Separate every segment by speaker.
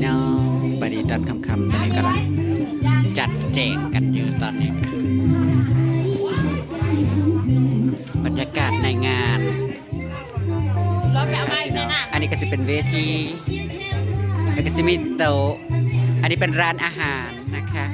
Speaker 1: น้องบดีตอนคำตอนนี้กำลังจัดแจงกันอยู่ตอนนี้บรรยากาศในงานอันนี้ก็จะเป็นเวทีแล้วก็จะมีโต๊ะอันนี้เป็นร้านอาหารนะคะ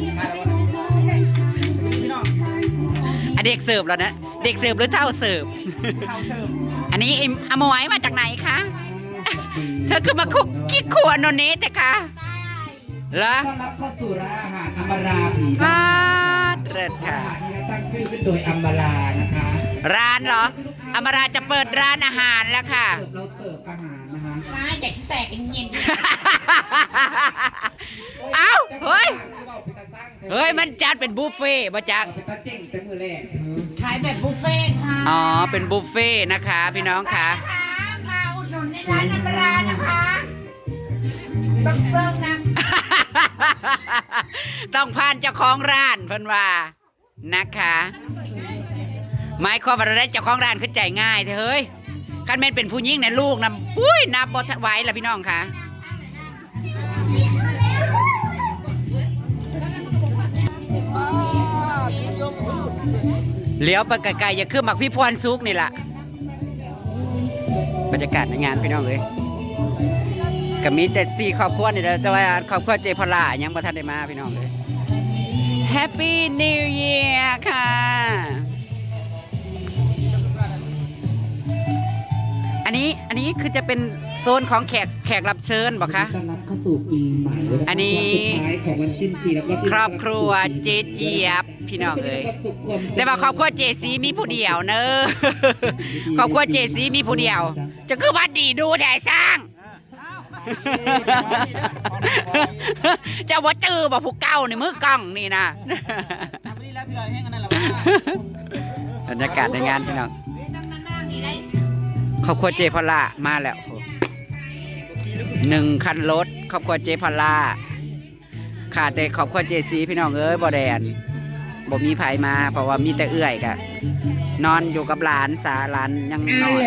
Speaker 1: อันเด็กเสิร์ฟแล้วนะเด็กเสิร์ฟหรือเท่าเสิร์ฟอันนี้อมวยมาจากไหนคะเธอคือมาคุกกี้ครัวโนเนสคะเหรอ
Speaker 2: ต้อนรับเข้าสู่ร้านอาหารอัมบาราผี
Speaker 1: บ้านเริดค่ะ
Speaker 2: ตั้งชื่อขึ้นโดยอัมบารานะคะ
Speaker 1: ร้านเหรออมราจะเปิดร้านอาหารแล้วค่ะ
Speaker 2: เราเสิร์ฟอาหารนะคะ
Speaker 3: ได้แต่แตกเย็น
Speaker 1: เอ้าเฮ้ยมันจัดเป็นบุฟเฟ่ต์มาจาก
Speaker 2: เป็นตาเจ๊งเป็นมือแรก
Speaker 3: ขายแบบบุฟเฟ่ค่ะ
Speaker 1: อ๋อเป็นบุฟเฟ่ต์นะคะพี่น้องค่ะ
Speaker 3: มาอุดหนุนในร้านอัมรานะคะต้องเซิร์ฟนะ
Speaker 1: ต้องผ่านเจ้าของร้านเพิ่นว่านะคะหมายความว่าเราได้เจ้าของร้านคือใจง่ายเฮ้ยคันแม่นเป็นผู้หญิงเนี่ยลูกนะปุ้ยนับบ่ไหวล่ะพี่น้องค่ะเลี้ยวไปไกลๆอย่าขึ้นมักพี่พรซุกนี่ล่ะบรรยากาศในงานพี่น้องเลยก็มีแต่4ครอบครัวนี่แหละแต่ว่าครอบครัวเจพลายังบ่ทันได้มาพี่น้องเลย Happy New Year ค่ะอันนี้คือจะเป็นโซนของแขกรับเชิญบอกคะ
Speaker 2: ต้อนรับเข้าสู่ปีใหม่
Speaker 1: อันนี้
Speaker 2: สุดท้ายของวันสิ้นปีแล้วก็
Speaker 1: ครอบครัวเจเจี๊ยบพี่น้องเลยแต่ว่าครอบครัวเจซีมีผู้เดียวเนอะครอบครัวเจซีมีผู้เดียวจะคือวัดดีดูแถ่สร้างเจ้าว่าจื้อบ่ผู้เก่าในมือกล้องนี่นะบรรยากาศในงานพี่น้องครอบครัวเจพลามาแล้ว1 คันรถครอบครัวเจพลาขาดแต่ครอบครัวเจซีพี่น้องเอ้ยบ่แดนบ่มีไผมาเพราะว่ามีแต่เอื้อยกะนอนอยู่กับหลานหลานยังนอน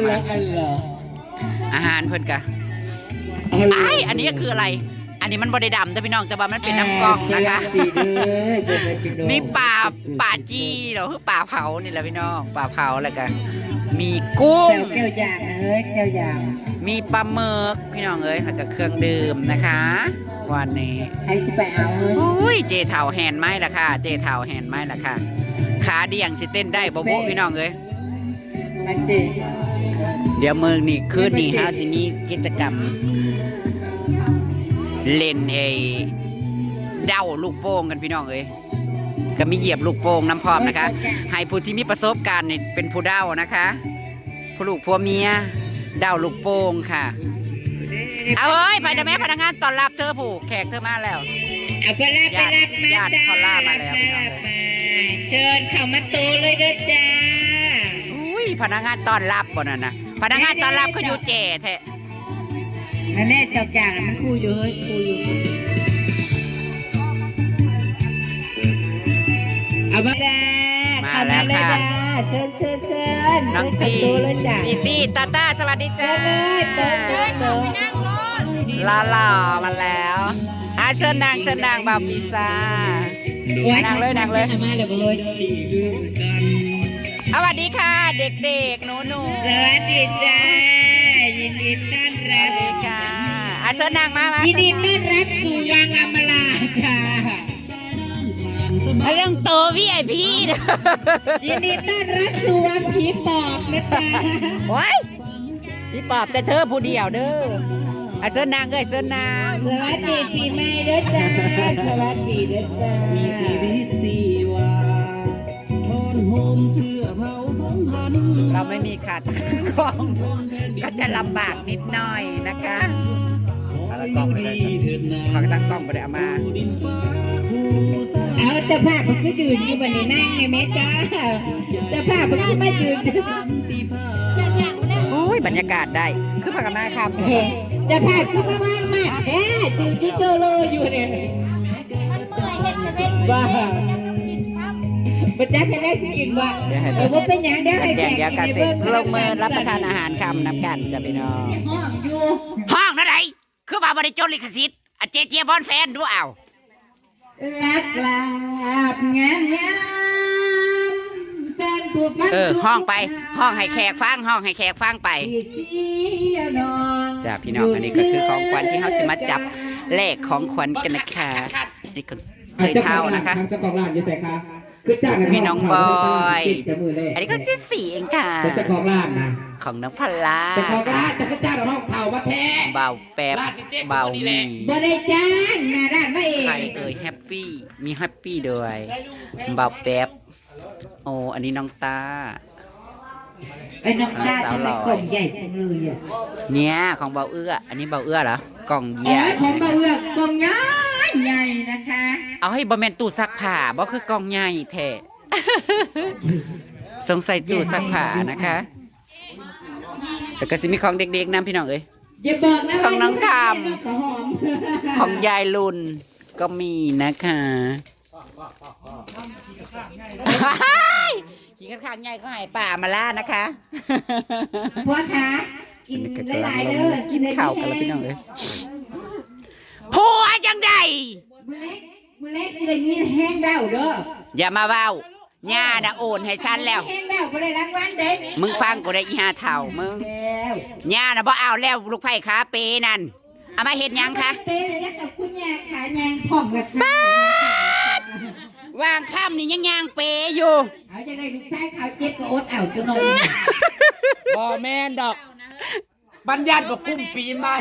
Speaker 1: อาหารเพิ่นกะอันนี้คืออะไรอันนี้มันบ่ได้ดำแต่พี่น้องแต่ว่ามันเป็นน้ำกอกนะคะมีปลาจีเหรอคือปลาเผานี่แหละพี่น้องปลาเผาแล้วกันมีกุ้ง
Speaker 3: เจียวย่างเจียวย่าง
Speaker 1: มีปลาหมึกพี่น้องเอ้ยแล้วก็เครื่องดื่มนะคะวันนี้
Speaker 3: ให้สิไปเอา
Speaker 1: อุ้ยเจเถาแหนไม้ละค่ะเจเถาแหนไม้ละค่ะขาเดี่ยงสิเต้นได้บ่พี่น้องเอ้ยเดี๋ยวมือนี่คืนนี้ฮะสิมีกิจกรรมเล่นเด้าลูกโป่งกันพี่น้องเอ้ยก็มีเหยียบลูกโป่งน้ำพร้อมนะคะให้ผู้ที่มีประสบการณ์นี่เป็นผู้เด้านะคะผู้ลูกผัวเมียเด้าลูกโป่งค่ะเอาเฮ้ยไปเดี๋ยวแม่พนักงานต้อนรับเธอผู้แขกเธอมาแล้ว
Speaker 3: เอาไปรับมา
Speaker 1: ญาติเขาล่ามาแล้ว
Speaker 3: เชิญเข้ามาโตเลยเด้อจ้า
Speaker 1: อุ้ยพนักงานต้อนรับบ่นั่นนะพนักงานต้อนรับเขาอยู่เจ๋แท้
Speaker 3: อันนี้เจ้าจางมันคู่อยู่เฮ้ยคู่อยู่เอามาแล้วค่ะเชิญ
Speaker 1: น้องตีตีตาตาสวัสดีจ้าลามาแล้วเชิญนางบาปิซานางเลยสวัสดีค่ะเด็กๆหนู
Speaker 3: สวัสดีจ้ายินดีต้อนรับ
Speaker 1: ค่ะเชิญนางมา
Speaker 3: ยินดีต้อนรับสู่วังอมราค่ะ
Speaker 1: เรื่องโตVIP
Speaker 3: ยินดีต้อนรับสู่วังผีปอบนะจ๊ะ
Speaker 1: โอ้ยผีปอบแต่เธอผู้เดียวเด้อเชิญนางเชิญนาง
Speaker 3: สวัสดีปีใหม่เด้อจ้าสวัสดีเด้อจ้ามีชีวิตชีวา
Speaker 1: ทนโฮมเชื่อเผาของพันเราไม่มีขาดกล้องก็จะลำบากนิดหน่อยนะคะแล้วกล้องไม่ได้เขาตั้งกล้องไม่ได้เอามา
Speaker 3: เอาแต่ภาพมันก็ยืนอยู่บนนี้นั่งในเมจ้าแต่ภาพมันก็ไม่ยืน
Speaker 1: โอ้ยบรรยากาศได้คือพักนาครับ
Speaker 3: แต่ภาพคือว่างมากแฮ่จืดเจอเลยอยู่เนี่ยบ้าบัดนี้จะได้กินว่าว่าเป็นอย่างเดียวให้
Speaker 1: แจกกาเสร็จลงมือรับประทานอาหารคำน้ำกันจะไปนอน
Speaker 3: ห้องอยู่
Speaker 1: ห้องนั่นไหนคือว่าบ่ได้จดลิขสิทธิ์อ่ะเจเจบอนแฟนดูเอา
Speaker 3: ลักลาบงามงามแฟนผู้ฟัง
Speaker 1: ห้องไปห้องให้แขกฟังห้องให้แขกฟังไป
Speaker 3: ที่เชียร์น้อง
Speaker 1: จ้าพี่น้องอันนี้ก็คือของขวัญที่เขาสิมาจับแลกของขวัญกันนะคะนี่ก็เคยเท่านะคะ
Speaker 2: เจ้าของร้านอยู่ใส่ค่ะคือจ้าง
Speaker 1: มีน้องบอย
Speaker 2: จะมือเลย
Speaker 1: อันนี้ก็ที่สี่เองค่ะ
Speaker 2: เจ้าของร้านนะ
Speaker 1: ของน้องพลา
Speaker 2: เจ้าของร้านจะไปจ้างห้องเผามาแท้
Speaker 1: เบาแป๊บเบามี
Speaker 3: บ่ได้จ้างหน้าด้านไม่เอ
Speaker 1: ใครง เอ่ยแฮปปี้มีแฮปปี้ด้วยเบาแป๊บโอ้อันนี้น้องตา
Speaker 3: ไอ้น้องตาทำไมกล่องใหญ่จังเลยอ่ะ
Speaker 1: เนี่ยของเบาเอื้ออันนี้เบาเอื้อเหรอกล่อง
Speaker 3: อ๋
Speaker 1: เยี่
Speaker 3: อย ของเบาเอือกกล่องใหญ่ใหญ่นะคะ
Speaker 1: เอาให้บะแมนตู้ซักผ้าบ่คือกล่องใหญ่แท้ สงสัยตู้ซักผ้านะคะแต่ก็สิมีของเด็กๆนำพี่น้องเอ้ย
Speaker 3: อย่าบอกนะ
Speaker 1: ของน้องทำ
Speaker 3: ข้าวหอม
Speaker 1: ของยายลุนก็มีนะคะขี่ข้างๆใหญ่ก็ให้ป่ามาล่านะคะ
Speaker 3: พ่อคะกินหลายๆเด้อ
Speaker 1: กินข้าวกันแล้วพี่น้องเอ้ยผัวจังใด
Speaker 3: มื้อเล็กสิได้มีแห้งดาวเด้อ
Speaker 1: อย่ามาเว้าย่าน่ะโอนให้ฉันแล้ว
Speaker 3: แห้งดาวบ่ได้รางวัลเด้
Speaker 1: มึงฟังกูได้อีห้าเท่ามึง
Speaker 3: แล้ว
Speaker 1: ย่าน่ะบ่เอาแล้วลูกไผ่ขาเปนั่นเอามาเฮ็ดหยังคะ
Speaker 3: เป้เลยนะกับคุณยายขายางพ่อมกับค่ะ
Speaker 1: วางค่ำนี่ยังย่างเปอยู่
Speaker 3: เอาจะได้ลูกชายขาวเจ็บก็อดเอาจังหน่อย
Speaker 2: บ่แม่นดอกบัญญัติบอกกุ้มปีใหม่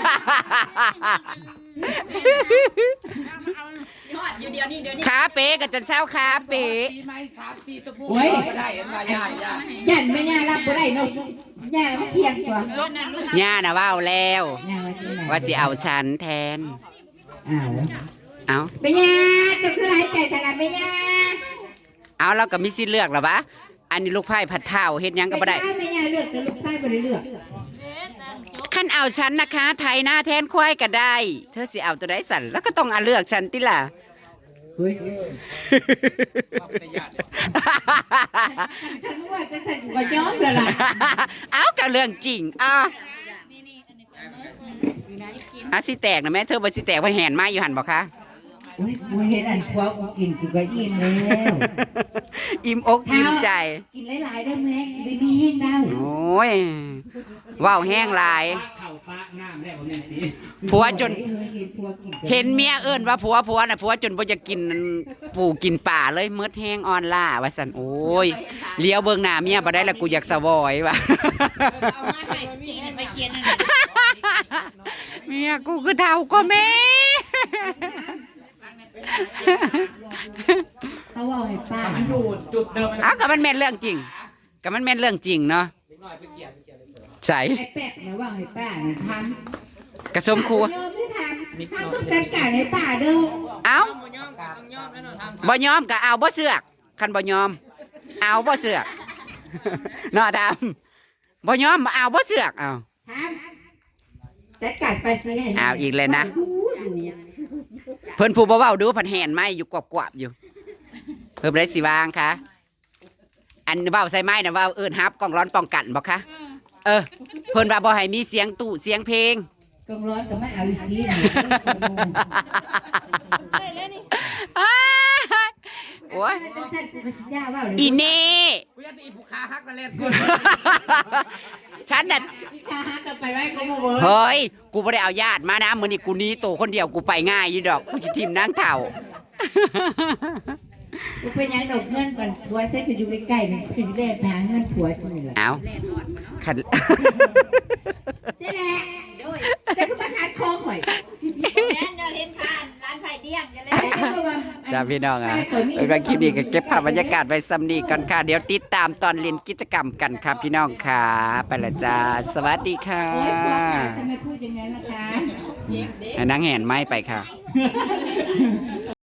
Speaker 1: ขาเปกับจนเช้าขาเป
Speaker 2: ปีใหม่3-4ชั่วโมง
Speaker 3: โอ้ย
Speaker 2: ก็ได้เห็นว่าย่า
Speaker 3: ยันไม่ย่ารับบ่ได้เนาะย่ามันเที่ยงกว่า
Speaker 1: ย่าน่ะเว้าแล้ว
Speaker 3: ย่าว่าสิไหน
Speaker 1: ว่าสิเอาฉันแทน
Speaker 3: อ้าว
Speaker 1: เอา
Speaker 3: เป็นย่าเจะคือหลายใจแต่ละเป็นย่า
Speaker 1: เอาเราก็มีสิทธิ์เลือกหรอวะอันนี้ลูกไผ่ผัดเท่าเฮ็ดหยังก็บ่ได้
Speaker 3: เป็นย่าเลือกแต่ลูกชายบ่ได้เลือก
Speaker 1: ขั้นเอาฉันนะคะ ไทยหน้าแทนควายก็ได้ เธอสิเอาตัวใดสั่นแล้วก็ต้องเอาเลือกฉันติล่ะ
Speaker 2: เฮ้ย
Speaker 3: ฉันว่าจะฉันก็ยอมแล้วล่ะ
Speaker 1: เอาก็เรื่องจริงสิแตกนะแม่เธอบ่สิแตกเพราะแหนมาอยู่หันบอกคะ
Speaker 3: โอ้ยกูเห็นอันคว้ากูกินกูก็อิ่มแล้ว
Speaker 1: อิ่มอกอิ่มใจ
Speaker 3: กินหลายๆเด้อแม่สิได้มีแห้งดาว
Speaker 1: โอ้ยว้าวแห้งหลาย
Speaker 2: เข่าฟ้าน้ำได้บ่แม่นสิ
Speaker 1: ผัวจน
Speaker 3: เห็นผัวกิน
Speaker 1: เห็นเมียเอิ้นว่าผัวน่ะผัวจนบ่จะกินปูกินป่าเลยมืดแห้งอ่อนล่าว่าซั่นโอ้ยเลี้ยวเบิ่งหน้าเมียบ่ได้แล้วกูอยากสะวอยว่ะ
Speaker 3: เอามาให้กินไปเคียนนั่น
Speaker 1: เมียกูคือเฒ่ากว่าแม่
Speaker 3: เขาว่าให้ป้า
Speaker 2: มันอยู่จุดเดิม
Speaker 1: เอาก็มันแม่นเรื่องจริงก็มันแม่นเรื่องจริงเนาะใส่
Speaker 3: ไอ้แป๊กนะว่าให้ป้าเนี่ยท
Speaker 1: กระสมครัว
Speaker 3: ำยอมไม่ทำต้องจัดการให้ป้าเด้อ
Speaker 1: เอาบ่ยอมก็เอาบ่เสือกคันบ่ยอม เอาบ่เสือก เนาะดำบ่ยอมเอาบ่เสือกเอา
Speaker 3: ทำจัดการไปสิให้
Speaker 1: เอาอีกเลยนะ เพิ่นผู้บ่เว้าดูเพันแหนไม้อยู่กวบๆอยู่ เพิ่นบ่ได้สิวางค่ะอันเว้าใส่ไม้น่ะเว้าเอิ้นฮับกล้องร้อนป้องกันบ่คะเออเพิ่นว่าบ่ให้มีเสียงตู้เสียงเพลง
Speaker 3: กองร้อนก็ไม่เอาอีสีนี่
Speaker 1: อ้ายโอ้ย
Speaker 3: จังซั่นกูก็สิย่าว่าเลย
Speaker 1: อีเน่
Speaker 2: กูอยากจะอีผู้ค้าฮักนั่นแหละกู
Speaker 1: ฉันน่ะ
Speaker 3: ถ้าหากันไปไว้ก็บ่เวิร์
Speaker 1: เฮ้ย กูไม่ได้เอาญาติมานะมื้อนี้กูหนี้โตคนเดียวกูไปง่ายอยู่ดอกกูสิทิมนางเฒ่า
Speaker 3: กูเป็นหยังดอกเงินก่อนผัวใส่คืออยู่ใกล้ๆนี่คือสิได้ไปหาเงินผัวจังนี่ล่ะ
Speaker 1: เอาขัน
Speaker 3: เจ๊แหละจะคือมาขาดคอข่อย
Speaker 4: แม่นเดินเห็นผ่านร้านไผ่เดี้ยงจะเลย
Speaker 1: จ้าพี่น้องอ่ะแล้วก็คลิปนี้ก็เก็บภาพบรรยากาศไว้ซ้ำนี้กันค่ะ เดี๋ยวติดตามตอนเรียนกิจกรรมกันครับพี่น้องค่ะ ไปละจ้า สวัสดีค่ะ
Speaker 3: โอ๊ยผัวขาทำไมพูดอย่างนั้นล่ะคะ
Speaker 1: ให้นางแหนไม้ไปค่ะ